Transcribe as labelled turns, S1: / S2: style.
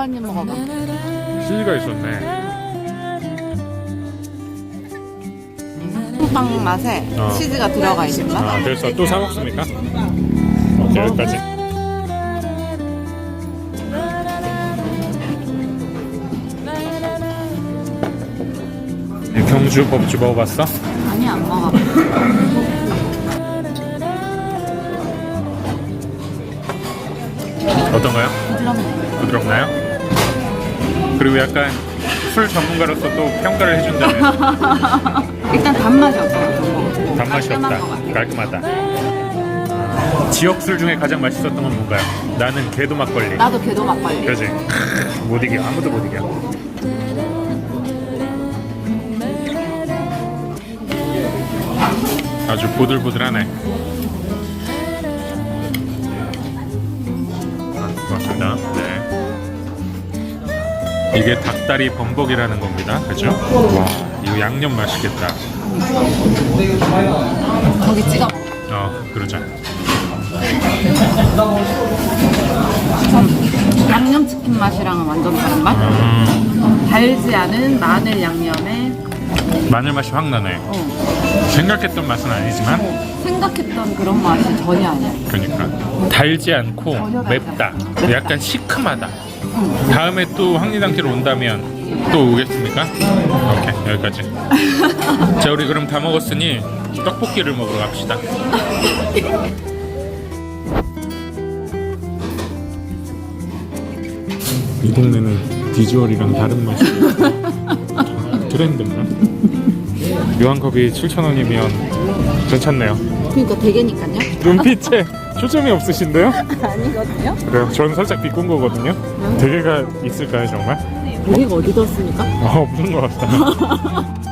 S1: 한입 먹어봐.
S2: 치즈가 있었네.
S1: 빵 맛에 치즈가 들어가 있는 맛.
S2: 아, 그래서 또 사 먹습니까? 오케이, 여기까지. 경주 법주 먹어봤어?
S1: 아니, 안 먹어봐.
S2: 어떤가요?
S1: 부드럽네.
S2: 부드럽나요? 그리고 약간 술 전문가로서 또 평가를 해준다면
S1: 일단 단맛이 없어.
S2: 단맛이 없다. 깔끔하다. 지역 술 중에 가장 맛있었던 건 뭔가요? 나는 개도 막걸리.
S1: 나도 개도 막걸리.
S2: 그지? 못 이겨. 아무도 못 이겨. 아주 보들보들하네. 고맙습니다. 네. 이게 닭다리 범벅이라는 겁니다. 그죠? 와, 이거 양념 맛있겠다.
S1: 거기 찍어 먹어.
S2: 그러자.
S1: 양념치킨 맛이랑은 완전 다른 맛? 달지 않은 마늘 양념에
S2: 마늘 맛이 확 나네. 생각했던 맛은 아니지만
S1: 생각했던 그런 맛이 전혀 아니야.
S2: 그러니까 달지 않고 맵다. 약간 시큼하다. 다음에 또 황리단길 온다면 또 오겠습니까? 오케이, 여기까지. 자, 우리 그럼 다 먹었으니 떡볶이를 먹으러 갑시다. 이 동네는 비주얼이랑 다른 맛이 트렌드인가? 묘한컵이 7,000원이면 괜찮네요.
S1: 그러니까 되게니까요.
S2: 눈빛에 초점이 없으신데요?
S1: 아니거든요.
S2: 그래요. 저는 살짝 비꾼 거거든요. 대게가 있을까요, 정말?
S1: 되게가 어디 뒀습니까?
S2: 없는 것 같다.